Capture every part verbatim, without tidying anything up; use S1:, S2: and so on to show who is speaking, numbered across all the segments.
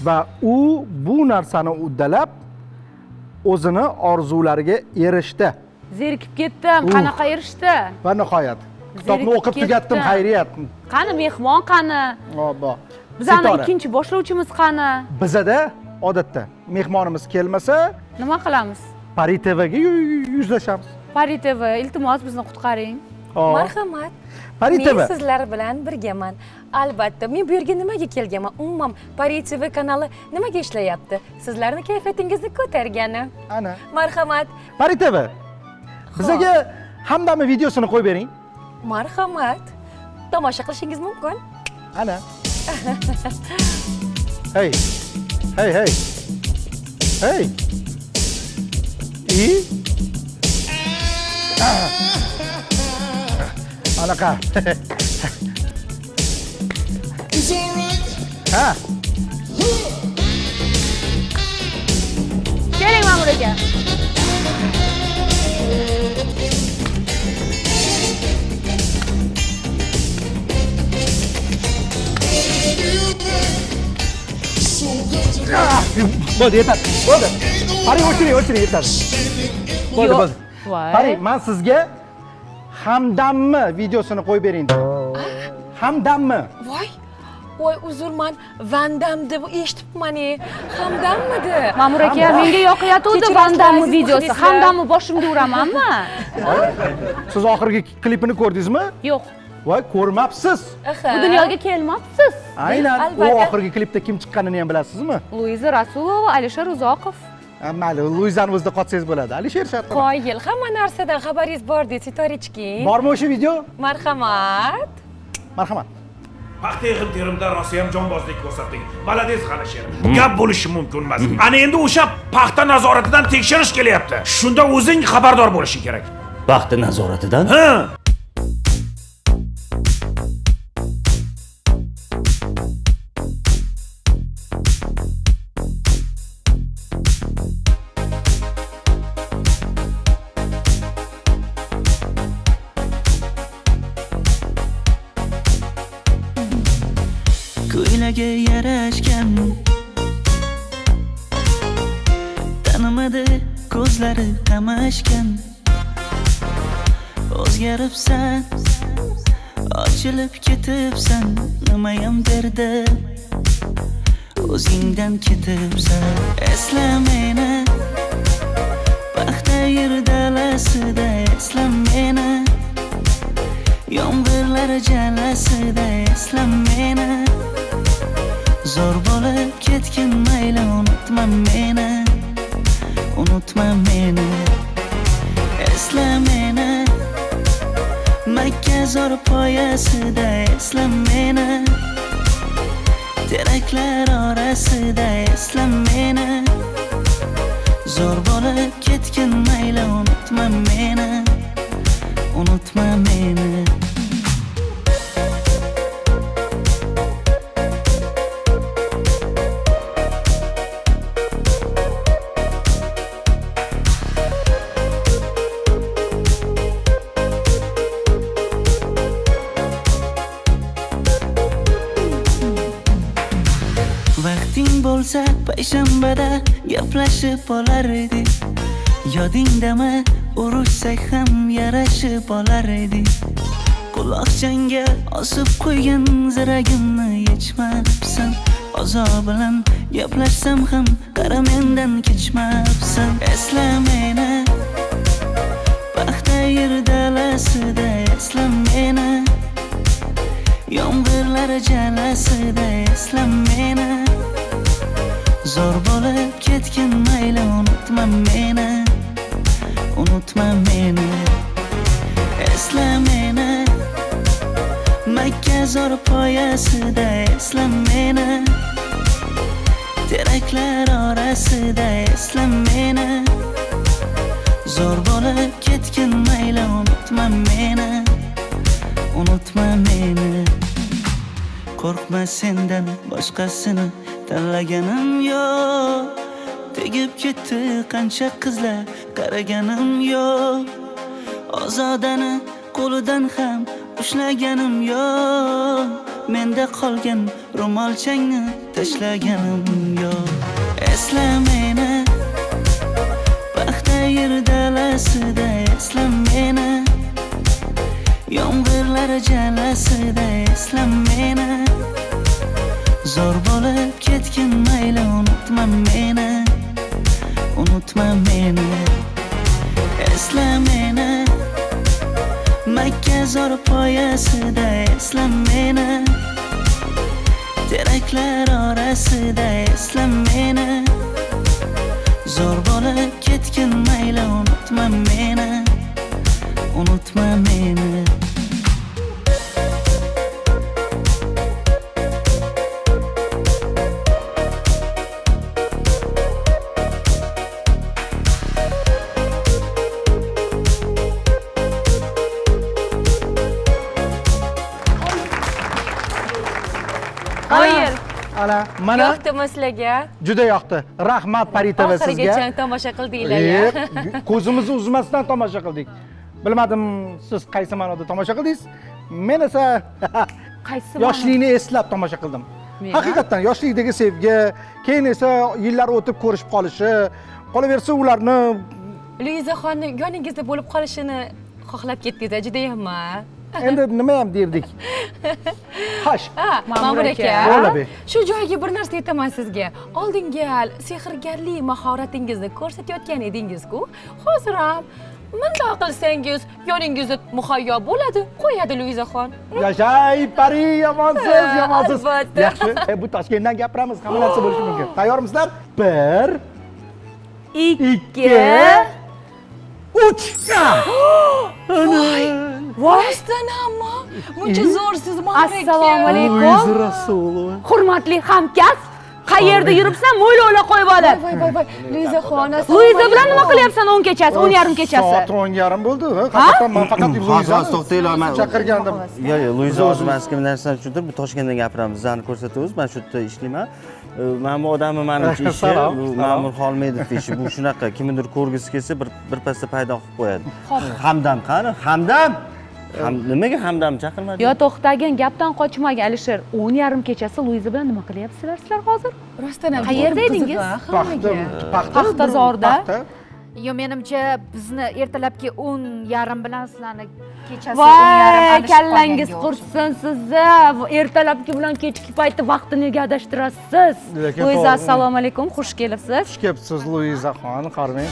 S1: va u bu narsani uddalab o'zini orzulariga erishdi.
S2: Zerikib ketdim, qanaqa erishdi?
S1: Va nihoyat kitobni o'qib tugatdim, xayriyat.
S2: Qani mehmon qani?
S1: Obbo.
S2: Bizning ikkinchi boshlovchimiz qani?
S1: Bizada odatda mehmonimiz kelmasa,
S2: nima qilamiz?
S1: Pari T V'ga yuzlashamiz.
S2: Pari T V, iltimos bizni qutqaring.
S3: Marhamat.
S1: Pari T V.
S3: Men sizlar bilan birgaman. Albatta, men bu yerga nimaga kelganman? Umuman Pari T V kanali nimaga ishlayapti? Sizlarning kayfiyatingizni ko'targani.
S1: Ana.
S3: Marhamat.
S1: Pari T V. Bizga hamdami videosini qo'yib bering.
S3: Marhamat. Tomosha qilishingiz mumkin.
S1: Ana. Hey. Hey, hey. Hey. I? Anaqa. Ha.
S2: Keling ma'mur aka.
S1: Bo'ldi, yetadi. Bo'ldi. Pari o'chiring, o'chiring, yetadi. Bo'ldi, bo'ldi. Pari, men sizga hamdammi videosini qo'yib bering. Hamdammi?
S3: Voy. Voy, uzrman, Vandam deb eshitibman-e. Hamdammidi?
S2: Ma'mur aka, menga yoqayotdi Vandammi videosi. Hamdammi boshimga uramanmi?
S1: Siz oxirgi klipini ko'rdingizmi?
S2: Yo'q.
S1: Voy, ko'rmabsiz.
S2: Bu dunyoga kelmabsiz.
S1: Aynan, u oxirgi klipda kim chiqqanini ham bilasizmi?
S2: Luiza Rasulova, Alisher Uzoqov.
S1: Mayli, Luizani o'zida qotsangiz bo'ladi. Alisher shartmi?
S3: Qoyil, hamma narsadan xabaringiz bor deb Sitorichki.
S1: Bormi o'sha video?
S3: Marhamat.
S1: Marhamat.
S4: Paxta yig'im terimda rosa ham jonbozlik ko'rsatding. Malades Alisher. Gap bo'lishi mumkin emas. Ana endi o'sha paxta nazoratidan tekshirish kelyapti. Shunda o'zing xabardor bo'lishing kerak.
S5: Paxta nazoratidan?
S4: Ha.
S6: Ko'ylaga yarashgan tanimadi ko'zlari qamashgan o'zgaribsan ochilib ketibsan nimayam derdi o'zingdan ketibsan esla meni paxta yer dalasida esla meni yomg'irlar jalasida esla meni zo'r bo'lib ketgin mayli unutma meni unutma meni esla meni Makka zo'r poyasida esla meni teraklar orasida esla meni zo'r bo'lib ketgin mayli unutma meni unutma meni Vaqting bo'lsa payshanbada gaplashib olar edik yodingdami urushsak ham yarashib olar edik quloqchangga osib qo'ygan ziragimni yechmabsan ozob bilan gaplashsam ham qara mendan kechmabsan esla meni paxta yer dalasida esla meni yomg'irlar jalasida esla meni zo'r bo'lib ketgin mayli unutma meni unutma meni esla meni Makka zo'r poyasida esla meni teraklar orasida esla meni zo'r bo'lib ketgin mayli unutma meni unutma meni qo'rqma sendan boshqasini tanlaganim yo'q tegib ketdi qancha qizlar qaraganim yo'q ozodani qo'lidan ham ushlaganim yo'q menda qolgan ro'molchangni tashlaganim yo'q. Esla meni paxta yer dalasida, esla meni yomg'irlar jalasida, esla meni zo'r bo'lib ketgin mayli, unutma meni, unutma meni. Esla meni Makka zo'r poyasida, esla meni teraklar orasida, esla meni zo'r bo'lib ketgin mayli, unutma meni, unutma meni.
S2: Qoyil.
S1: Ana, mana
S3: Yoqdimi sizlarga?
S1: juda yoqdi. Rahmat Paritova sizga.
S3: Oxirigacha tomosha qildinglar-ya.
S1: E, ko'zimizni uzmasdan tomosha qildik. Bilmadim, siz qaysi ma'noda tomosha qildingiz? Men esa
S2: Qaysi
S1: yoshlikni eslab tomosha qildim.
S2: Men
S1: Haqiqatan yoshlikdagi sevgi, keyin esa yillar o'tib ko'rishib qolishi, qolaversa ularni
S3: Luizaxonni yoningizda bo'lib qolishini xohlab ketdingiz, juda ham.
S1: endi nima ham derdik. Xo'sh,
S3: Ma'mur aka,
S1: Bo'ladi.
S3: shu joyga bir narsa aytaman sizga. Oldingi sehrgarlik mahoratingizni ko'rsatayotgan edingiz-ku. Hozir ham bunday qilsangiz yoningizda muhayyo bo'ladi, qo'yadi Luizaxon.
S1: Yashay Pari, yomonsiz, yomonsiz.
S3: Albatta.
S1: Yaxshi, e, bu Toshkentdan gapiramiz, hamma narsa bo'lishi mumkin. Tayyormisizlar? bir,
S2: ikki,
S1: uch.
S3: Voy! Rostdan hamma. Buncha zo'rsiz Ma'mur aka.
S2: Assalomu alaykum.
S1: Luiza Rasulova.
S2: Hurmatli hamkasb, qayerda yuribsan, mo'ylovla qo'yib olib.
S3: Voy voy voy, Luizaxon.
S2: Luiza bilan nima qilyapsan o'n kechasi, o'n yarim kechasi?
S1: Soat o'n yarim bo'ldi. Haqiqatan men faqat Luizani
S5: to'xtanglar, men
S1: chaqirgandim.
S5: Yo'q, yo'q, Luiza hozir men sizga bir narsani tushuntirib, bu Toshkentdan gapiramiz, bizani ko'rsatamiz. Men shu yerda ishlayman. Mana bu odamni menimcha ishi,
S1: Salom,
S5: bu
S1: salom.
S5: Ma'mur Xolmedovning ishi. Bu shunaqa, kimnidir ko'rgisi kelsa, bir bir pasda paydo qilib qo'yadi. Hamdam qani? Hamdam? Ham nimaga Hamdam chaqirmadi?
S2: Yo, to'xtagin, gapdan qochmagin Alisher. o'n yarim kechasi Luiza bilan nima qilyapsizlar sizlar hozir?
S3: Rostdan ham.
S2: Qayerda edingiz?
S1: Paxta, paxta,
S2: Paxtazorda.
S1: paxta.
S7: Yo, menimcha bizni ertalabki o'n yarim bilan sizlarni kechasi o'n yarim
S2: Voy,
S7: adashib
S2: kallangiz
S7: qolganga
S2: qursin sizni. Ertalabki bilan kechki payti vaqtni nega adashtirasiz?
S1: Lekin
S2: Luiza,
S1: to'g'ri.
S2: assalomu alaykum, xush kelibsiz.
S1: Xush kelibsiz Luizaxon, qarang.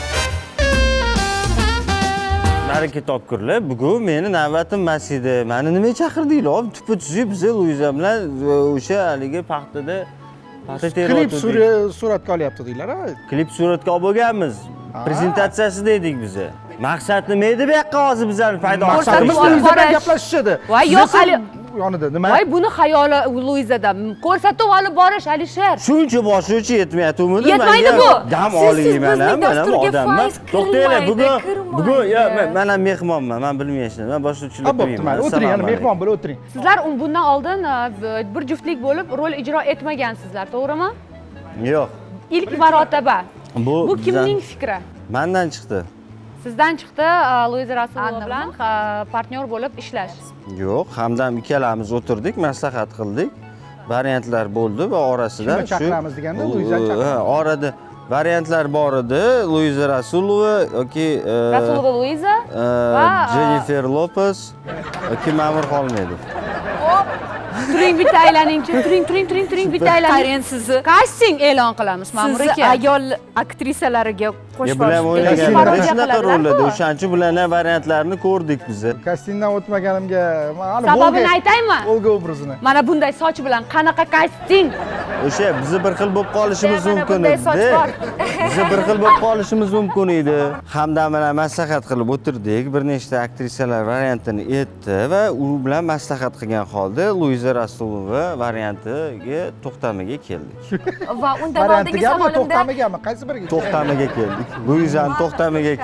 S5: Baraka topkurlar. Bugun meni navbatim mas edi. Meni nimaga chaqirdinglar? Tupa tuzib biz Luiza bilan o'sha haligi paxtada paxta
S1: Klip
S5: terayotgandik.
S1: suratga olyapti deylar.
S5: Klip suratga olib bo'lganmiz. Prezentatsiyasida edik biz. Maqsad nima edi bu yoqqa hozir bizlarni paydo
S1: Maqsadimiz
S2: olib
S1: Luiza bilan
S2: borish.
S1: gaplashish edi.
S2: Voy,
S1: Siz
S2: yo'q,
S1: esa
S2: hali-
S1: yonida nima?
S2: Voy, buni xayoli Luizada. Ko'rsatuv olib borish Alisher.
S5: Shuncha boshlovchi yetmayaptimi?
S2: Yetmaydi bu.
S5: Dam
S3: Siz-
S5: oling
S3: siz
S5: mana,
S3: bizning
S5: mana
S3: dasturga
S5: odamman.
S3: faiz
S5: To'xtanglar, bugun
S3: kirmaydi,
S5: bugun yo
S3: kirmaydi.
S5: men men mehmonman, men bilmayman. Men boshlovchilik
S1: Ha, bo'pti, mayli. O'tiring, yana mehmon bo'lib o'tiring.
S2: Sizlar bundan oldin e, bir juftlik bo'lib rol ijro etmagansizlar, to'g'rimi?
S5: Yo'q.
S2: Ilk marotaba.
S5: Bu
S2: Bu
S5: bizdan-
S2: kimning fikri?
S5: Mendan chiqdi.
S2: Sizdan chiqdi Luiza Rasulova bilan e, partnyor bo'lib ishlash.
S5: Yo'q, hamdam ikkalamiz o'tirdik, maslahat qildik. Variantlar bo'ldi va orasida
S1: Kimni chaqiramiz deganda,
S5: u-
S1: Luizani chaqiramiz.
S5: ha, orada variantlar bor edi. Luiza Rasulova yoki e,
S2: Rasulova Luiza
S5: e,
S2: va
S5: Jennifer Lopez yoki Ma'mur Xolmedov.
S2: turing bitta aylaningchi, turing, turing, turing, turing bitta aylaning.
S7: qarang sizni
S2: Casting e'lon qilamiz, Ma'mur
S7: sizni
S2: aka.
S7: ayol aktrisalariga
S5: Ya
S7: qo'shib
S5: bilan
S7: borishdi.
S5: o'ynagan
S2: parodiya
S5: shunaqa
S2: qiladilar-ku.
S5: rollarda o'shanchi bilan ham variantlarni ko'rdik biz.
S1: Kastingdan o'tmaganimga mana
S2: Sababini aytaymi?
S1: Olga obrazini.
S2: Mana bunday soch bilan qanaqa casting?
S5: O'sha bizni bir xil bo'lib qolishimiz
S7: Mana
S5: mumkin
S7: bunday soch
S5: edi.
S7: bor.
S5: Bizni bir xil bo'lib qolishimiz mumkin edi. Hamdam bilan maslahat qilib o'tirdik. Bir nechta aktrisalar variantini aytdi va u bilan maslahat qilgan holda Luiza Rasulova variantiga to'xtamiga keldik.
S3: Va undan oldingi
S1: Variantigami,
S3: savolimda
S1: to'xtamigami? Qaysi biriga?
S5: To'xtamiga keldik. Luizani to'xtamiga keldik.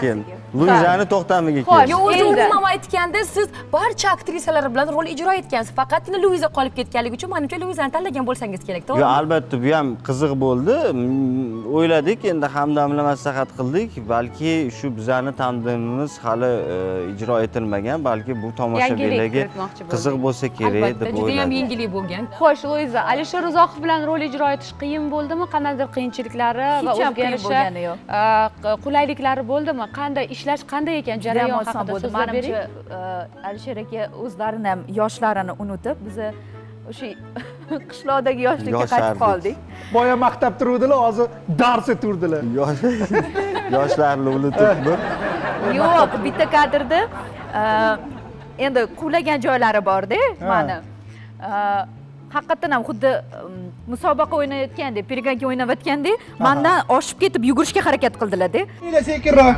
S5: Luizani to'xtamiga
S2: Xo'sh.
S5: keldi.
S3: Yo, o'zi
S2: Endi.
S3: umuman aytganda siz barcha aktrisalar bilan rol ijro etgansiz. Faqatgina Luiza qolib ketganligi uchun menimcha Luizani tanlagan bo'lsangiz kerak,
S5: Yo,
S3: to'g'rimi?
S5: albatta bu ham qiziq bo'ldi. Mm, O'yladik, endi Hamdam bilan maslahat qildik. Balki shu bizani tandemimiz hali e, ijro etilmagan, balki bu tomoshabinlarga
S2: Yangilik kiritmoqchi bo'ldik.
S5: qiziq bo'lsa kerak
S3: Albatta,
S5: deb
S3: juda ham
S5: o'yladim.
S3: yengillik bo'lgan.
S2: Xo'sh, Luiza, Alisher Uzoqov bilan rol ijro etish qiyin bo'ldimi? Qandaydir qiyinchiliklari va
S7: Hech ham qiyin
S2: o'zgarishi,
S7: bo'lgani yo'q.
S2: a, qulayliklari bo'ldimi? Qanday ishlash qanday ekan?
S7: Jarayon
S2: Jarayon
S7: oson
S2: haqida
S7: bo'ldi.
S2: so'zlab bering.
S7: Menimcha e, Alisher aka o'zlarini ham yoshlarini unutib, biz o'sha qishloqdagi yoshlikka qaytib
S5: Yoshardik.
S7: qoldik.
S1: Boya maqtab turuvdilar, hozir dars eturdilar.
S5: Yosh- Yoshlarni unutibmi?
S7: Yo'q, bitta kadrda e, endi quvlagan joylari bor-da, mani. E, Haqiqatan ham xuddi mm, musobaqa o'ynayotgandek, perganka o'ynayotgandek, mendan oshib ketib yugurishga harakat qildilar-da.
S1: Ila sekinroq.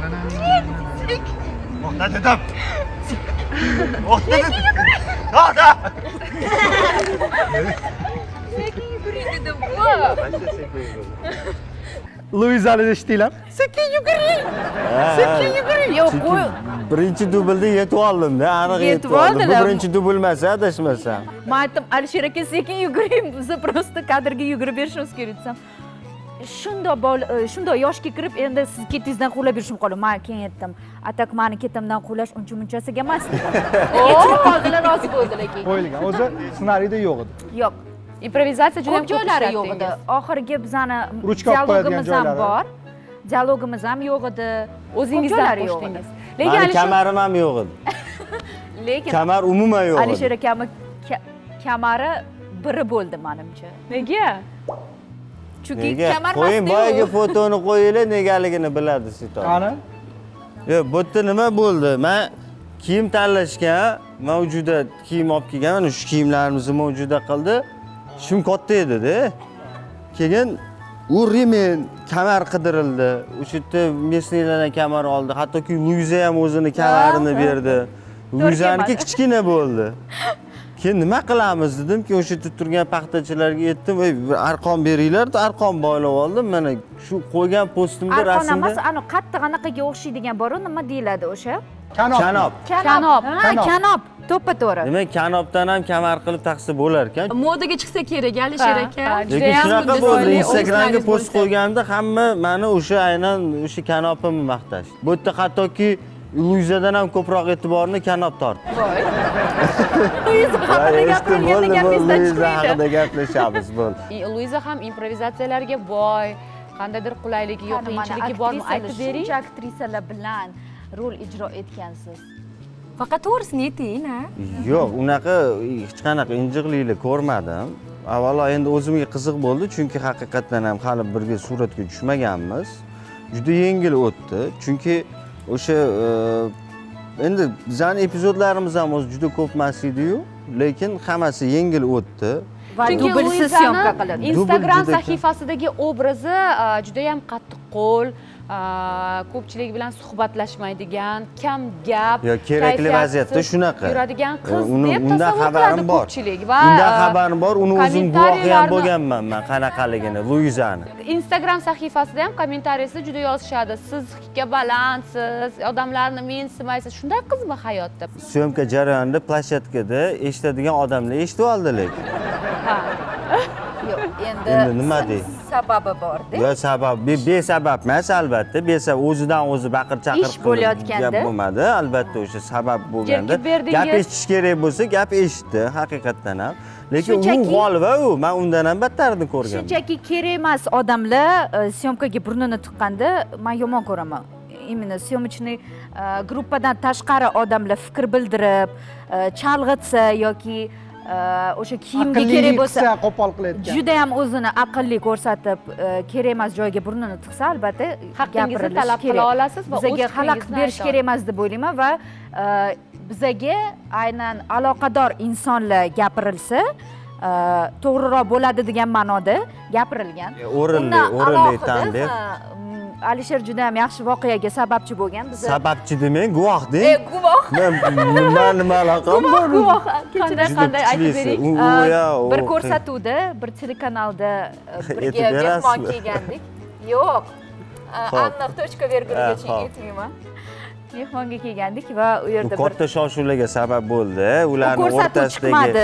S1: Luizani eshitdinglar? Sekin yuguring. Sekin yuguring.
S7: Yo'q, qo'y.
S5: Birinchi dublda yetib oldim-da, aniq
S7: Yetib
S5: yetib oldim. Bu
S7: oldilar.
S5: birinchi dubl emas, adashmasam.
S7: Men aytdim, Alisher aka sekin yuguring, biz prosta kadrga yugurib berishimiz kerak desam. Shundoq bol, shundoq yoshga kirib, endi siz ketingizdan quvlab berishim qoldi. Men keyin aytdim, atak meni ketimdan quvlash uncha munchasiga emas dedim. Kechirib qoldilar, rozi bo'ldilar keyin.
S1: Qo'yilgan. O'zi ssenariyda yo'q edi.
S7: Yo'q,
S2: Improvizatsiya juda ham
S7: ko'p joylari yo'q edi. Oxirgi bizani
S1: Ruchka olib qo'yadigan
S7: dialogimiz ham
S1: joylari.
S7: bor. Dialogimiz ham yo'q edi.
S2: O'zingizdan
S7: joylari yo'q
S2: qo'shdingiz.
S7: edi.
S2: Lekin
S5: Mani
S2: Alisher
S5: kamarim ham yo'q edi.
S7: Lekin
S5: Kamar umuman yo'q edi.
S7: Alisher akami ka- kamari biri bo'ldi menimcha.
S2: nega?
S7: Chunki
S5: Nega?
S7: kamar
S5: Qo'ying, boyagi fotoni qo'yinglar, negaligini biladi Sito.
S1: Qani?
S5: Yo'q, bu yerda nima bo'ldi? Men kiyim tanlashga mavjuda kiyim olib kelganman, shu kiyimlarimizni mavjuda qildi. Shim katta edi-da. Keyin u remen, kamar qidirildi. O'sha yerda mesniylardan kamar oldi. Hattoki Luiza ham o'zini kamarini berdi. Luizaniki kichkina bo'ldi. Keyin nima qilamiz dedim-ki, o'sha yerda turgan paxtachilarga aytdim, "Ey, bir arqon beringlar", deb arqon boylab oldim. Mana shu qo'ygan postimda
S7: Arqon
S5: rasmda
S7: emas, ana qattiq anaqaga o'xshaydigan bor, nima deyiladi o'sha?
S1: Kanob.
S5: kanob.
S2: Kanob.
S7: Ha,
S1: Kanob.
S7: kanob. To'ppa to'g'ri.
S5: Demak, kanobdan ham kamar qilib taqsa bo'lar ekan.
S3: Modaga chiqsa kerak, Alisher
S2: Ha,
S3: aka.
S2: ha,
S5: Lekin
S2: Judayam
S5: shunaqa
S2: xuddi
S5: bo'ldi,
S2: solid
S5: Instagramga
S3: o'zlaringiz
S5: post
S3: bo'lsa.
S5: qo'yganimda hamma mani o'sha aynan o'sha kanopimni maqtashdi. Bu yerda hattoki Luizadan ham ko'proq e'tiborni kanob tortdi.
S7: Luiza haqida gapirilganda gapingizdan
S5: Luiza
S7: chiqmaydi.
S5: haqida gaplashamiz bo'ldi.
S2: I- Luiza ham improvizatsiyalarga boy, qandaydir qulayligi yo'q, qiyinchiligi bormi? Aytib bering.
S7: Shuncha aktrisalar bilan rol ijro etgansiz.
S3: Faqat to'g'risini ayting, a?
S5: Yo'q, unaqa hech qanaqa injiqliklar ko'rmadim. Avvalo endi o'zimga qiziq bo'ldi, chunki haqiqatdan ham hali birga suratga tushmaganmiz. Juda yengil o'tdi, chunki o'sha e, endi bizning epizodlarimiz ham o'zi juda ko'p emas edi-yu, lekin hammasi yengil o'tdi.
S7: Va
S2: Chunki
S7: dublsiz syomka
S2: Luizani
S7: qilindi.
S2: Instagram
S5: Dubl juda kam.
S2: sahifasidagi obrazi a, juda ham qattiq qo'l, a, ko'pchilik bilan suhbatlashmaydigan, kam gap,
S5: Yo, kerakli
S2: kayfiyatsiz
S5: vaziyatda shunaqa.
S2: yuradigan qiz
S5: Uni-
S2: deb
S5: undan
S2: tasavvur
S5: xabarim
S2: qiladi
S5: bor.
S2: ko'pchilik va
S5: Undan
S2: a,
S5: xabarim bor, uni o'zim guvohi ham
S2: kommentariyalarni-
S5: bo'lganman men qanaqaligini, Luizani.
S2: Instagram sahifasida ham kommentariyasida juda yozishadi. Siz hikka balandsiz, odamlarni mensimaysiz. Shunday qizmi hayotda?
S5: Syomka jarayonida plashatkada eshitadigan odamlar eshitib oldi lekin.
S2: Ha.
S7: Yo'q, endi
S5: Endi nima dey?
S7: sababi bor-da.
S5: Yo, sabab be- besabab emas albatta. Besabab o'zidan o'zi baqir chaqir
S7: Ish bo'layotganda.
S5: gap bo'lmadi. Albatta o'sha sabab bo'lganda.
S2: Jerkib berdingiz.
S5: Gap eshitish kerak bo'lsa, gap eshitdi haqiqatdan ham. Lekin u
S7: Shunchaki-
S5: g'olva u, men undan ham battarini ko'rganman.
S7: Shunchaki kerak emas odamlar e, syomkaga burnini tiqqanda men yomon ko'raman. Именно syomочный gruppadan tashqari odamlar fikr bildirib, e, chalg'itsa yoki e, o'sha kiyimga kerak bo'lsa
S1: qilsa, qo'pol qilayotgan.
S7: juda ham o'zini aqlli ko'rsatib, e, kerak emas joyga burnini tiqsa, albatta
S2: Haqqingizni
S7: gapirilishi
S2: talab qila
S7: kerak.
S2: olasiz va o'z
S7: Bizga xalaqit
S2: fikringizni
S7: berish
S2: ayta
S7: kerak emas deb o'ylayman va e, bizaga aynan aloqador insonlar gapirilsa, e, to'g'riroq bo'ladi degan ma'noda gapirilgan.
S5: O'rinli,
S7: Undan
S5: o'rinli
S7: alohida,
S5: tanbeh.
S7: ha, mm, Alisher juda ham yaxshi voqeaga sababchi bo'lgan. Biz
S5: Sababchi demang, guvoh deng.
S7: E, guvoh.
S5: Men nima nima aloqam bor?
S7: guvoh.
S2: Qanday
S5: Juda
S2: qanday aytib
S5: kuchlisi.
S2: bering.
S5: U-
S7: Uh,
S5: u ya, u-
S7: bir ko'rsatuvda bir telekanalda uh, birga
S5: Aytib berasizmi?
S7: mehmon kelgandik. Yo'q. uh,
S5: Xo'p.
S7: Aniq точка virgulgacha
S5: Ha, xo'p.
S7: aytmayman. mehmonga kelgandik va u
S5: Bu
S7: yerda bir
S5: katta shov-shuvlarga sabab bo'ldi. Ularning
S7: ko'rsatuv
S5: o'rtasidagi
S7: chiqmadi.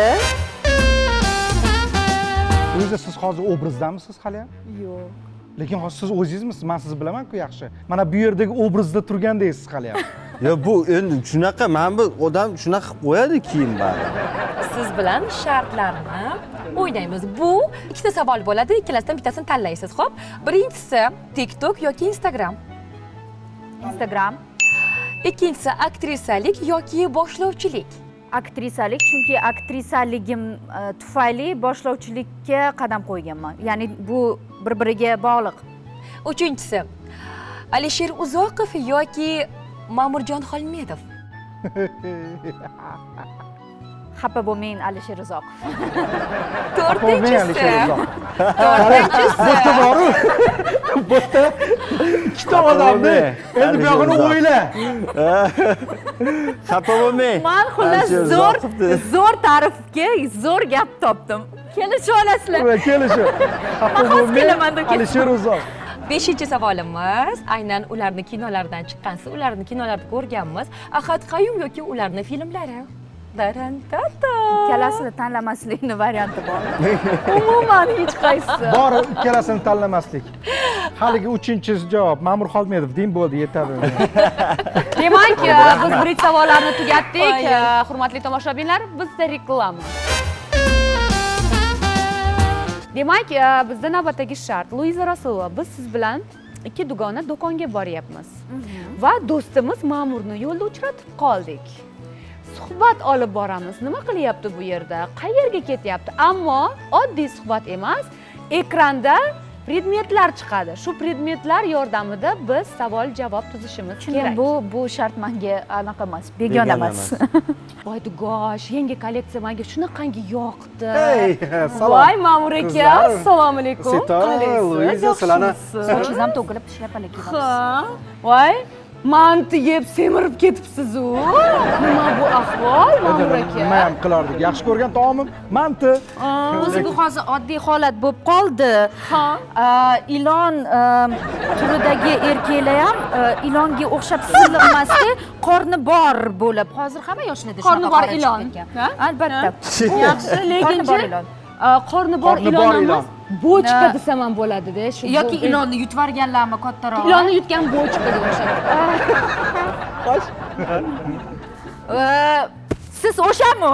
S1: O'zi siz hozir obrazdamisiz hali ham?
S7: Yo'q.
S1: Lekin hozir siz o'zingizmisiz? Men sizni bilaman-ku yaxshi. Mana bu yerdagi obrazda turgandaysiz hali ham.
S5: Yo, bu endi shunaqa, mana bu odam shunaqa qilib qo'yadi kiyim bari.
S3: Siz bilan shartlarni o'ynaymiz. Bu ikkita savol bo'ladi, ikkalasidan bittasini tanlaysiz, xo'p? Birinchisi TikTok yoki Instagram.
S7: Instagram,
S3: Ikkinchisi aktrisalik yoki boshlovchilik.
S7: aktrisalik, chunki aktrisaligim e, tufayli boshlovchilikka qadam qo'yganman. Ya'ni bu bir-biriga bog'liq.
S3: Uchinchisi Alisher Uzoqov yoki Ma'murjon Xolmedov.
S7: Xafa bo'lmang Alisher Uzoqov.
S3: To'rtinchisi
S1: Bo'ta boru. Bo'ta ikkita odamni. Endi bu yog'ini o'yla.
S5: Xafa bo'lmang.
S7: Men xullas
S5: Alisher
S7: zo'r
S5: Uzoqov dedi.
S7: zo'r ta'rifga zo'r gap topdim. Kelishib olasizlar.
S1: Kelishib. Xafa
S7: Hozir
S1: bo'lmang.
S7: kelaman deb ketdim.
S1: Alisher Uzoqov.
S3: Beshinchi savolimiz aynan ularni kinolaridan chiqqansiz, ularni kinolarda ko'rganmiz. Ahad Qayum yoki ularni filmlari. Darantata.
S7: Ikkalasini tanlamaslikni varianti bor. Umuman hech qaysi.
S1: Bor ikkalasini tanlamaslik. Haligi uchinchi javob Ma'mur Xolmedov deng bo'ldi, yetadi.
S2: Demak, biz birinchi savollarni tugatdik. Hurmatli tomoshabinlar, bizda reklama. Demak, bizda navbatdagi shart Luiza Rasulova, biz siz bilan ikki dugona do'konga boryapmiz. Va do'stimiz Ma'murni yo'lda uchratib qoldik. Suhbat olib boramiz. Nima qilyapti bu yerda? Qayerga ketyapti? Ammo oddiy suhbat emas, ekranda predmetlar chiqadi. Shu predmetlar yordamida biz savol-javob tuzishimiz kerak.
S7: Bu bu shart menga anaqa emas, begona emas.
S2: Voy gosh, yangi kolleksiya menga shunaqangi yoqdi.
S1: Hey, salom.
S2: Voy Ma'mur aka,
S1: Qizlar.
S2: assalomu alaykum.
S1: Sitora, Luiza, sizlarni
S7: Sochingiz ham to'kilib shlapalik kiyapsiz.
S2: Ha, voy manti yeb semirib ketibsiz-u. Nima bu ahvol, Ma'mur aka?
S1: Nima ham qilardik? Yaxshi ko'rgan taomim manti.
S7: O'zi bu hozir oddiy holat bo'lib qoldi.
S2: Ha.
S7: Ilon e, turidagi erkaklar ham e, ilonga o'xshab silliqmasdi, qorni bor bo'lib. Hozir hamma yoshlarda
S2: Qorni
S7: shunaqa
S2: bor
S7: qora chiqib
S2: ilon.
S7: ketgan.
S2: Ha?
S7: Albatta.
S2: Yaxshi, lekin
S7: Qorni bor ilon.
S2: qorni bor
S1: Qorni
S2: ilon
S1: bor ilon.
S2: emas, bochka
S7: Na-
S2: desam ham bo'ladida. Shu
S7: Yoki
S2: bu-
S7: ilonni yutvarganlarmi kattaroq?
S2: ilonni yutgan bochkaga o'xshab.
S7: Ee, siz o'shami?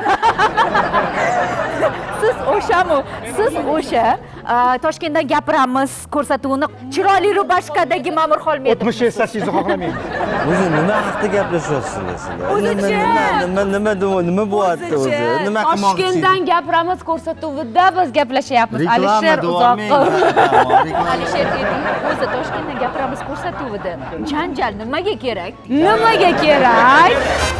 S7: Siz o'shami? Siz o'sha e, Toshkentdan gapiramiz ko'rsatuvini chiroyli rubashkadagi Ma'mur Xolmedov.
S1: o'tmish eslashingizni xohlamayman.
S5: O'zi nima haqida gaplashayapsizlar sizlar?
S7: O'zichi.
S5: Nima nima nima nima nima bo'lyapti o'zi? Nima qilmoqchisiz?
S2: Toshkentdan gapiramiz ko'rsatuvida biz gaplashyapmiz. Alisher Uzoqov.
S7: Alisher Eding o'zi Toshkentdan gapiramiz ko'rsatuvida. Janjal nimaga kerak?
S2: Nimaga kerak?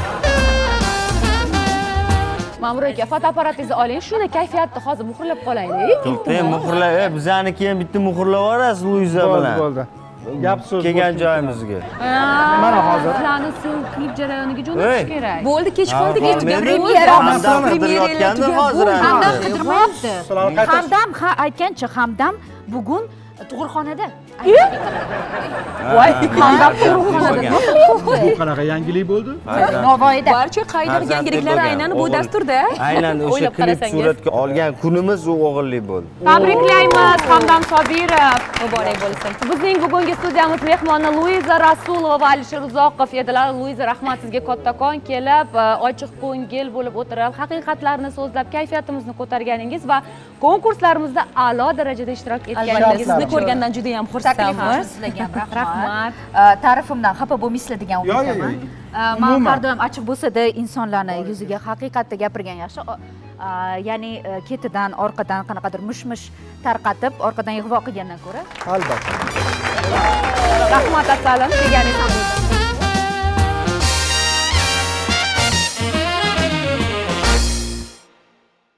S2: Ma'mur aka, fotoaparatingizni oling, shuni kayfiyatni hozir muhrlab qolaylik.
S5: To'xtang, muhrlab, e, bizaniki ham bitta muhrlab yuborasiz Luiza
S1: Bo'ldi,
S5: bilan.
S1: bo'ldi. Gap so'z
S5: Kelgan
S1: bo'ldi.
S5: joyimizga.
S1: Mana hozir.
S2: Sizlarni so'ng klip jarayoniga
S5: Hey.
S2: jo'natish kerak.
S3: Bo'ldi, kech qoldik,
S5: Ha,
S3: endi
S5: men-
S3: premyera.
S5: Hamdam qidirayotgandi hozir ham.
S7: Hamdam qidirmayapti.
S1: Sizlar qaytasiz.
S7: Hamdam ha aytgancha Hamdam bugun tug'ruqxonada.
S2: Voy,
S5: Hamdam
S1: Bu qanaqa yangilik bo'ldi?
S7: Navoiyda.
S3: Barcha qaydir
S5: Farzandli
S3: yangiliklar
S5: bo'lgan,
S3: aynan bu
S5: o'g'il.
S3: dasturda.
S5: Aynan o'sha
S3: O'ylab
S5: klip
S3: qarasangiz.
S5: suratga olgan kunimiz u o'g'illik bo'ldi.
S2: Tabriklaymiz Hamdam Sobirov.
S3: Muborak bo'lsin.
S2: Bizning bugungi studiyamiz mehmoni Luiza Rasulova va Alisher Uzoqov edilar. Luiza, rahmat sizga kattakon kelib, ochiq ko'ngil bo'lib o'tirib, haqiqatlarni so'zlab, kayfiyatimizni ko'targaningiz va konkurslarimizda a'lo darajada ishtirok etganingiz.
S3: Sizni ko'rgandan juda ham xursandmiz.
S7: Sizlarga ham rahmat.
S2: Rahmat.
S7: Э, Ta'rifimdan xafa bo'lmaysizlar degan
S1: Yo'q, yo'q,
S7: umiddaman.
S1: yo'q.
S7: Э, Men
S1: Umuman.
S7: har doim ochiq bo'lsa-da insonlarni yuziga haqiqatda gapirgan yaxshi. O- a, Ya'ni e, ketidan, orqadan qanaqadir mushmush tarqatib, orqadan ig'vo qilgandan ko'ra
S1: Albatta.
S2: Rahmat assalam, kelganingiz uchun.